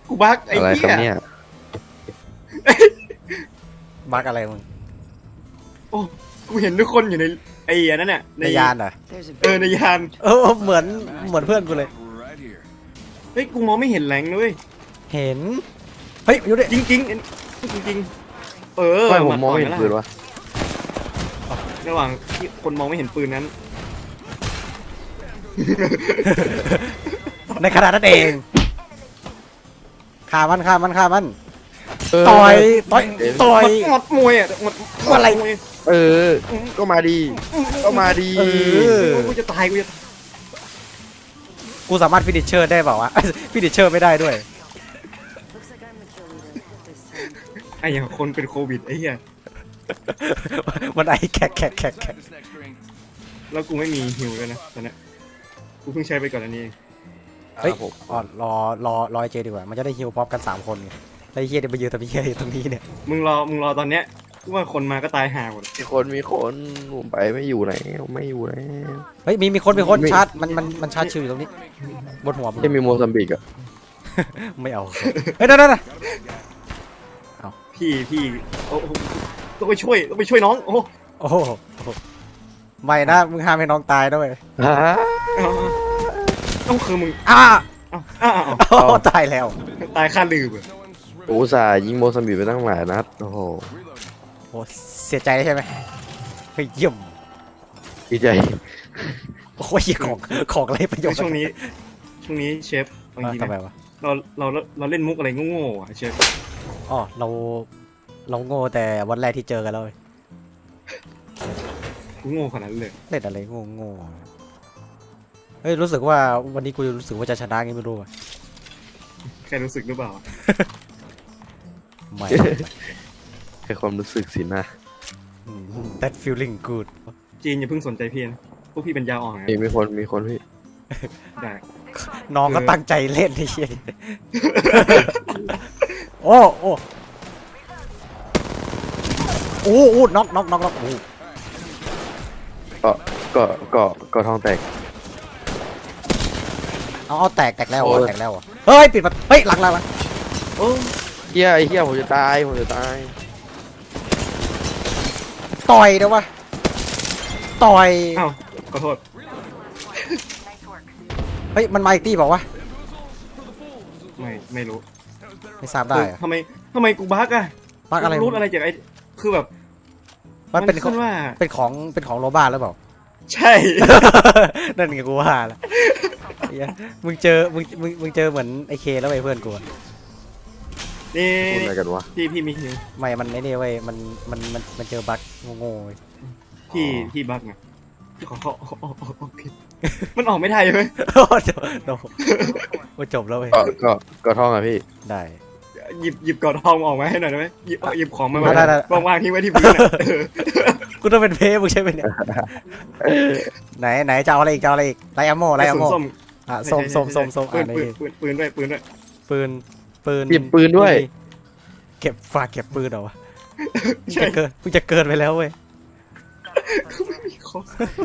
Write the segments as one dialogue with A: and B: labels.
A: กูบักไอ้
B: อะไรครับ
A: เหี้ย
B: เนี่ย
C: บักอะไรมึง
A: โอ้กูเห็นทุกคนอยู่ในไอ้อันนั้นน่ะ
C: ในยานเหรอ
A: ในยาน
C: เหมือนเพื่อนกูเลย
A: เฮ้ยกูมองไม่เห็นแหลงเลย
C: เห็นเฮ้ยอยู่ดิ
A: จริงจริงๆจริงๆ
B: ทำไมผมมองไม่เห็นปืนวะ
A: ระหว่างที่คนมองไม่เห็นปืนนั้น
C: ในขณะนั้นเองฆ่ามัน
B: เ
C: ต่อย
A: หมดมวยอ่ะหมด
C: อะไร
A: มวย
B: ก็มาดีก็มาดี
A: กูจะตายกูจะ
C: กูสามารถฟินิชเชอร์ได้เปล่าวะ ฟินิชเชอร์ไม่ได้ด้วย
A: ไอ้อย่างคนเป็นโควิดไอ้เหี้ย
C: มันไอแขก
A: แล้วกูไม่มีฮิวเลยนะตอนนี้กูเพิ่งใช้ไปก่อนอันนี้เอง
C: เฮ้ยอ๋อรอไอเจดีกว่ามันจะได้ฮิวพร้อมกัน3คนไงไอ้เฮียเดี๋ยวไปยืนทำเฮียตรงนี้เนี่ย
A: มึงรอตอนเนี้ยกูว่าคนมาก็ตายห่าหมด
B: มีคนผมไปไม่อยู่ไหนไม่อยู่ไหน
C: เฮ้ยมีคนชาร์จมันชาร์จชิวอยู่ตรงนี้บนหัวมึง
B: จะมีโมซัมบิกอะ
C: ไม่เอาเฮ้ยนั่น
A: พี่โอ้โหต้องไปช่วยน้องโอ้
C: โอ้โหไม่นะมึงห้ามให้น้องตายด้วย
A: ต้องคือมึง
C: อ้า
A: อ้าว
C: โอ้ตายแล้ว
A: ตายค่าลืม
B: โอ้ส่าห์ยิงโมซัมบิกไปตั้งหลายนัดโอ้โห
C: โอ้เสียใจใช่ไหมเฮ้ยเยี่ยม
B: ดีใจ
C: โอ้ยของไรประโยชน์
A: ช่วงนี้เชฟบางที
C: ทำไม
A: นะ
C: วะ
A: เราเล่นมุกอะไรโง่ๆอ่ะเชฟ
C: อ๋อเราโง่แต่วันแรกที่เจอกันแล้ว
A: กูโง่ขนาดนั้นเลย
C: เล่นอะไรโง่เฮ้ยรู้สึกว่าวันนี้กูรู้สึกว่าจะชนะไงไม่รู้อะ
A: แค่รู้สึกหรือเปล่า
C: ไม่
B: แค่ความรู้สึกสินะ
C: that feeling good
A: จีนอย่าเพิ่งสนใจพี่นะพวกพี่เป็นยาอ่อนนะ
B: มีคนพี่
A: ได้
C: น้องก็ตั้งใจเล่นไอ้เหี้ยโอ้น็อกโอ้
B: ก็ท้องแตก
C: เอาแตกแล้ว
B: โอ้ย
C: แตกแล้วเฮ้ยปิดประตูเฮ้ยหลัง
A: โอ้
B: เฮียผมจะตาย
C: ต่อยเดี๋ยววะต่อย
A: อ้าวขอโทษ
C: เฮ้ยมันมาอีกตีบอกว่าว
A: ไม่รู้
C: ะไม่ทราบได้อะ
A: ทำไมกูบักอะ
C: บักอะไร
A: รู้อะไรจากไอ้คือแบบ
C: มันเป็น
A: ขึ้นว่า
C: ของโรบ้าหรือเปล่า
A: ใช่
C: นั่นไงกูว่าละเหี้ยมึงเจอเหมือนไอเคแล้วไอ้เพื่อนกูอะ
A: นี่
B: พูดอะไรกันวะ
A: พี่มีฮิว
C: ไม่มันไอ้นี่เว้ยมันเจอบั๊กโง่ๆเว้ย
A: พี่บักไงขอผิดมันออกไม่ได้ใช่ไหม
C: โอ้จบแล้วเว้ย
B: ก็ท้องอะพี่
C: ได้
A: หยิบกอดทองออกมาให้หน่อยได้ไหมหยิบของมา
C: ได้
A: วางทิ้งไว้ที่พื้นอะ
C: กูต้องเป็นเพย์มึงใช่ไหมเนี่ยไหนจะเอาอะไรอีกไลอะโม่
A: ส้ม
C: อ่ะส้ม
A: ปื
C: อ่ะ
A: น
C: นี่
A: ปืนด้วย
C: ปืน
B: หยิบปืนด้วย
C: เก็บปืนเหรอวะ
A: ใช่
C: มึงจะเกินไปแล้วเว้ย
A: กูไม่มีของ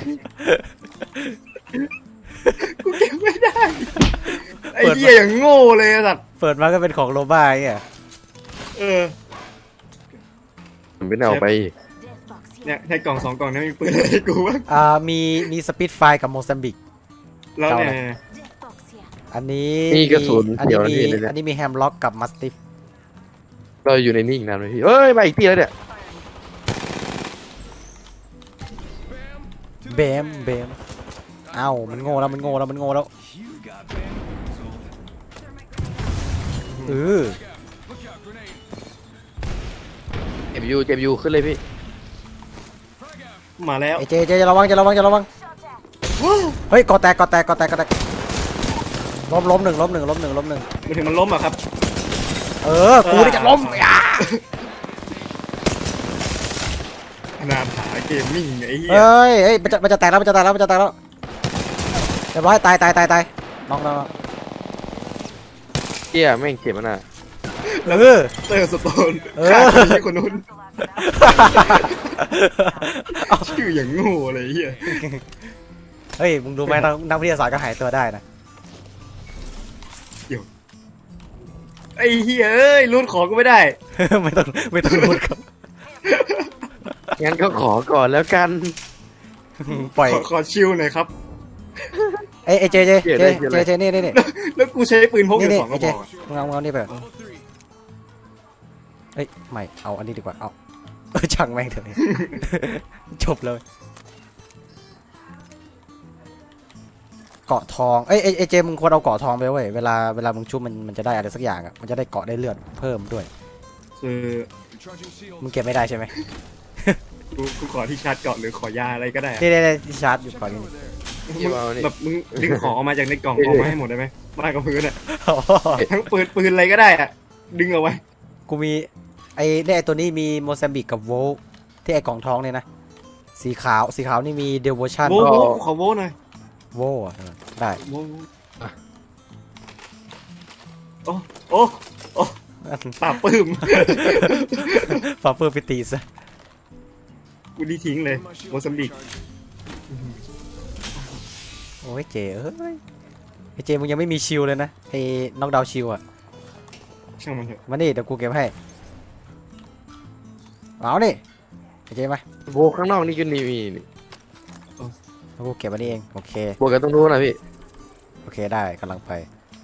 A: กูเก็บไม่ได้ไอ้เหี้ยอย่างโง่เลยสัตว์
C: เปิดมาก็เป็นของโรบ้าไอ้เงี้ย
B: ผมไม่ได้เอาไป
A: เนี่ยในกล่อง2 กล่องนั้นมีปืนอะไรให้กูบ้าง
C: มีสปิดไฟกับโมซัมบิก
A: แล้วเนี่ย
C: อันนี้
B: นี่กระสุน
C: อัน
B: เดี๋
C: นี้
B: ยว
C: มี
B: นะพี่เนี่ย
C: อันนี้มีแฮมล็อกกับมัสติฟ
B: เราอยู่ในนี่อีกนานไหมพี่เอ้ยมาอีกทีแล้วเนี่ย
C: เบมเอ้ามันโง่แล้วเออ
B: เจ็บอยู่ขึ้นเลยพี่
A: มาแล้ว
C: ไอเจจะระวังเฮ้ยกอแตกล้มหนึ่ง
A: มันถึงมันล้มอ่ะครับ
C: กูนี่จะล้มอ่ะ
A: นาถาเกมมิ่งไอ้เหี้ย
C: เฮ้ยมันจะแตกแล้วเรียบร้อยตายน้อง
B: เฮียแม่งเจ็บมันอ่ะ
A: แล้วเตอร์สโตนฆ่าคนนู้นชื่ออย่างโง่เลยเหี้ย
C: เฮ้ยมึงดูไหมนักวิทยาศาสตร์ก็หายตัวได้นะ
A: ไอ้เหี้ยเอ้ยรูดของก็ไม่ได้
C: ไม่ต้องรูดครับ
B: งั้นก็ขอก่อนแล้วกัน
C: ปล่อย
A: ขอชิลหน่อยครับ
C: เอ้ยเจนี่
A: แล้วกูใช้ปืนพกอยู่
C: นี่
A: สองก
C: ไอ้
A: ระ
C: เจ
A: บอกอะ
C: มึงเอานี่ไปเอ้ยไม่เอาอันนี้ดีกว่าเอาช่างแม่งเถอะ จบเลยเกาะทองเอ้ยเจมึงควรเอาเกาะทองไปเว้ยเวลามึงชุบมันจะได้อะไรสักอย่างอ่ะมันจะได้เกาะได้เลือดเพิ่มด้วย
A: คือ
C: มึงเก็บไม่ได้ใช่ไหม
A: กูขอที่ชาร์จเกาะหรือขอยาอะไรก็ได้อะ
C: นี่ที่ชาร์จอยู่ก่อนนี่
B: พี่มาเอานี่
A: แบบมึงดึงของออกมาจากในกล่อง
B: เอ๊ะ
A: ออกมาให้หมดได้ไหมมากับพื้นอ่ะทั้งปืนอะไรก็ได้อ่ะดึงเอาไว้
C: กูมีไอ้ตัวนี้มีโมซัมบิกกับโวลที่ไอ้กล่องทองเนี่ยนะสีขาวนี่มีเดลโวชั่น
A: โว้ขอโว้หน่อย
C: โวได้
A: โว้โอ้โอ้โอ้ปราบปื้ม
C: ฟาเปอร์ปิติส
A: กูดีทิ้งเลยโมซัมบิก
C: โอ้ยเจเอ้ยไอ้เจมึงยังไม่มีชิลเลยนะไอ้น็อกดาวชิลอ่ะ
A: ช่างมันเถอะ
C: มานี่เดี๋ยวกูเก็บให้เอานี่ไอ้เจมา
B: โบข้างนอกนี่ก็มีนี่
C: แล้วกูเก็บอันนี้เองโอเค
B: โบกันต้องรู้นะพี่
C: โอเคได้กำลังไป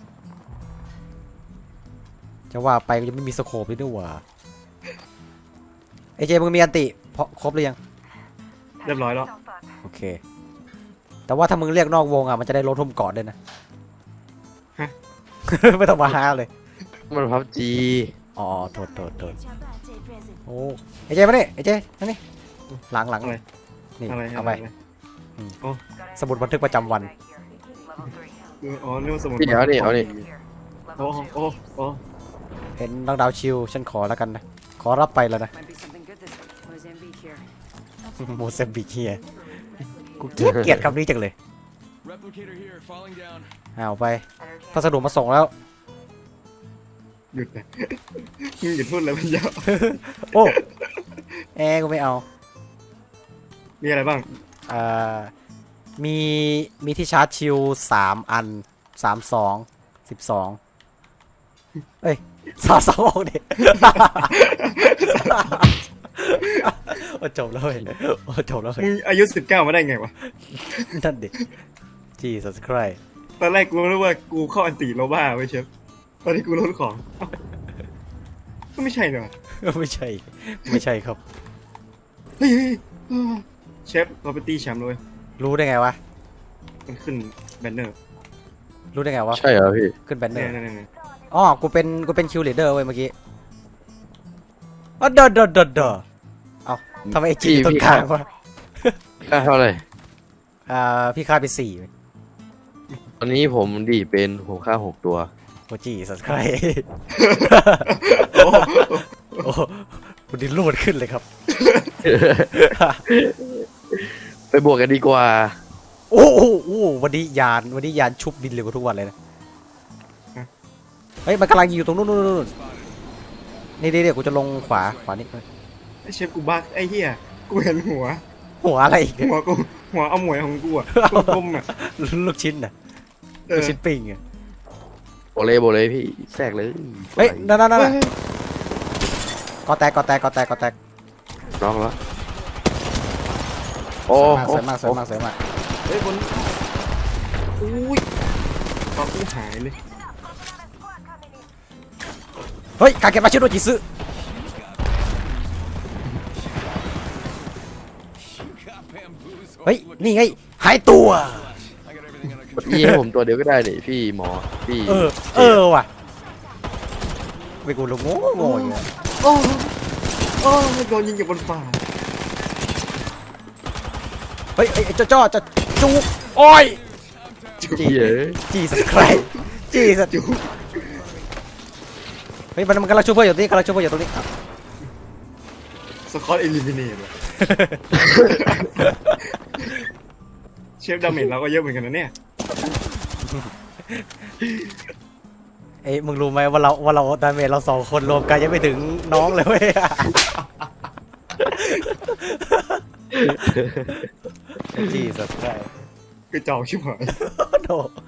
C: จะว่าไปกูยังไม่มีสโคปเลยด้วยว่ะไอ้เจมึงมีอันติเพราะครบหรือยัง
A: เรียบร้อยแล้ว
C: โอเค แต่ว่าถ้ามึงเรียกนอกวงอ่ะมันจะได้ลดทุ่มเกาะด้วยนะ
A: ฮะ
C: ไม่ต้องมาหาเลย
B: มันพับจี
C: อ๋อโทษโอ้ไอ้เจมานี่ไอ้เจมานี่หลัง
A: อะไร
C: นี่
A: อะไร
C: เอาไป
A: อะไร
C: สมุดบันทึกประจำวัน
A: อ๋อนี่มันสมุด
B: พี่เดี๋ยวนี่เอานี่
A: โอ้โอ้โอ้
C: เห็นน้องดาวชิลฉันขอแล้วกันนะขอรับไปแล้วนะ
D: Might be something good this Mozambique here.
C: โมเซมบิกเฮียกูเกลียดคำนี้จังเลย
E: Replicator here, falling down.
C: เอาไปพัสดุมาส่งแล้ว
A: หยุดนะมึงหยุดพูดแล้วมันยาว
C: โอ้แอร์กูไม่เอา
A: มีอะไรบ้าง
C: อ่ามีที่ชาร์จชิล3 อัน12เอ้ย32ดิ โอ้จบแล้วเว้ยโอ้จบแล้วเว้ย
A: มึงอายุ19มาได้ไงวะ
C: นั่นดิ Jesus Christ
A: ตอนแรกกูรู้ว่ากูเข้าอันติโลบ้าไว้เชฟตอนที่กูลดของเอ้าก็ไม่ใช่เนอะ
C: ไม่ใช่ครับ
A: เฮ้ยเชฟเราไปตีแชมป์เลย
C: รู้ได้ไงวะ
A: มันขึ้นแบนเนอร์
C: รู้ได้ไงวะ
B: ใช่เหรอพี่
C: ขึ้นแบนเนอ
A: เนี่ย
C: ร์
A: เนี่ย
C: อ๋อกูเป็นคิวลีดเดอร์เว้ยเมื่อกี้อ๋อเด้อเอ้าทำไมไอจีต้นกลางวะ
B: ค่าเท่าไหร่
C: พี่ค่าไป4
B: ตอนนี้ผมดีเป็นผมค่า6 ตัว
C: โอ้จีสัสใคร
A: โอ้
C: โอ้คุณดินรูดขึ้นเลยครับ
B: ไปบวกกันดีกว่า
C: โอ้โหวันนี้ยานชุบดินเร็วกว่าทุกวันเลยนะเฮ้ยมันกำลังยิงอยู่ตรงนู้นนี่เดี๋ยวกูจะลงขวานี่
A: ไอเชฟกูบักไอ้เหี้ยกูเห็นหัว
C: หัวอะไรอีกเนี่ย
A: หัวเอาหมวยของกูอะกลมๆอะ
C: ลูกชิ้นน่ะ
A: เอ
C: ลู
A: อก
C: ชิ้นปิ้งอะ
B: โบเลยพี่แทรกเลย
C: เฮ้ยนั่น
A: เฮ้ย
C: ก็แตก
B: น้องแล้วโอ้
C: สวยมาก
A: เฮ้ยบนอุ้ยตอนกูหายเลย
C: เฮ้ยกาเก็บมาชิโดจิซึ
E: Got bamboozled.
C: เฮ้ยนี่ไงหายตัว
E: I got everything under
B: กดอีให้ผมตัวเดียวก็ได้นี่พี่หมอพี่
C: เออว่ะไม่กูลงโง่อยู่อะ
A: โอ้โอ้โดนยิงจากบนฟ้า
C: เฮ้ยไอ้จ้อจะจูบโอ้ย
B: เหี้ย
C: จีสัสใครจีสัส
A: จู
C: เฮ้ยมันกำลังช่วยเพื่อนอยู่ตรงนี้อ่ะ
A: สกอตเอลิมิเนตว่ะเชฟดาเมจเราก็เยอะเหมือนกันนะเนี่ย
C: เอ้ยมึงรู้ไหมว่าเราดาเมจเรา2 คนรวมกันยังไม่ถึงน้องเลยเว้ยจีสัสใคร
A: กระจอกชิบหาย
C: โธ่